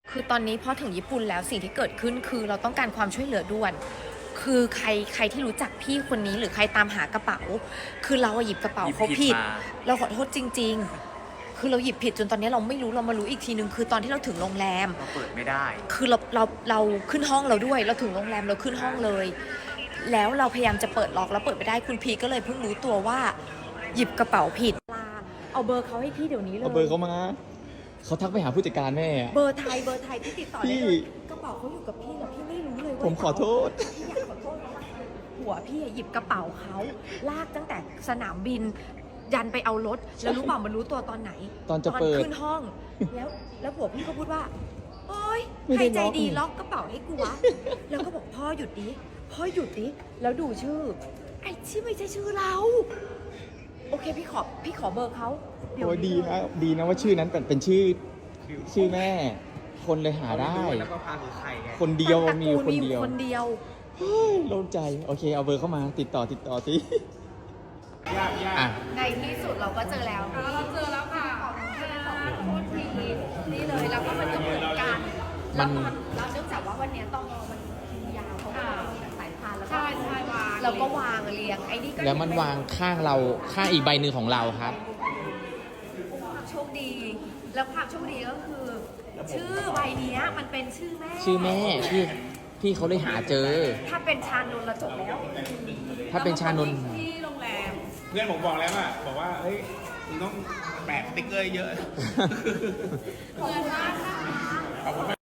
คือตอนนี้พอถึงญี่ปุ่นแล้วสิ่งที่เกิดขึ้นคือเราต้องการความช่วยเหลือด่วน คือใครที่รู้จักพี่คนนี้หรือใครตามหากระเป๋า คือเราหยิบกระเป๋าเขาผิดเราขอโทษจริงๆคือเราหยิบผิดจนตอนนี้เราไม่รู้เรามารู้อีกทีนึงคือตอนที่เราถึงโรงแรมเราเปิดไม่ได้คือเราขึ้นห้องเราด้วยเราถึงโรงแรมเราขึ้นห้องเลยแล้วเราพยายามจะเปิดล็อกแล้วเปิดไม่ได้คุณพีก็เลยเพิ่งรู้ตัวว่าหยิบกระเป๋าผิดเอาเบอร์เขาให้พี่เดี๋ยวนี้เลยเอาเบอร์เขามาเขาทักไปหาผู้จัดการแม่เบอร์ไทยที่ติดต่อได้เลยกระเป๋าเขาอยู่กับพี่แล้วพี่ไม่รู้เลยว่าผมขอโทษพี่อยากขอโทษหัวพี่หยิบกระเป๋าเขาลากตั้งแต่สนามบินยันไปเอารถแล้วรู้เปล่ามันรู้ตัวตอนไหนตอนจะเปิดขึ้นห้องแล้วผัวพี่ก็พูดว่าโอ๊ยใครใจดีล็อกกระเป๋าให้กูวะแล้วก็บอกพ่อหยุดดิแล้วดูชื่อไอ้ที่ไม่ใช่ชื่อเราโอเคพี่ขอเบอร์เขาโอ้ยดีนะว่าชื่อนั้นเป็นชื่อแม่ คนเลยหาได้แล้วก็พาคือใครไงคนเดียวมีคนเดียวโล่งใจโอเคเอาเบอร์เข้ามาติดต่อสิยากในที่สุดเราก็เจอแล้วเราเจอแล้วค่ะโทษทีนี่เลยแล้วก็มันก็เหมือนกันแล้วเราเนื่องจากว่าวันนี้ต้องมันยาวเขาสายพานแล้วก็วางแล้วก็วางเรียงไอ้นี่ก็แล้วมันวางข้างเราข้างอีกใบหนึ่งของเราครับความโชคดีแล้วความโชคดีก็คือชื่อใบนี้มันเป็นชื่อแม่พี่เขาเลยหาเจอถ้าเป็นชานนท์เราจบแล้วถ้าเป็นชานนท์ที่โรงแรมเพื่อนผมบอกแล้วบอกว่าเฮ้ยคุณต้องแปะสติ๊กเกอร์เยอะขอบคุณมากค่ะ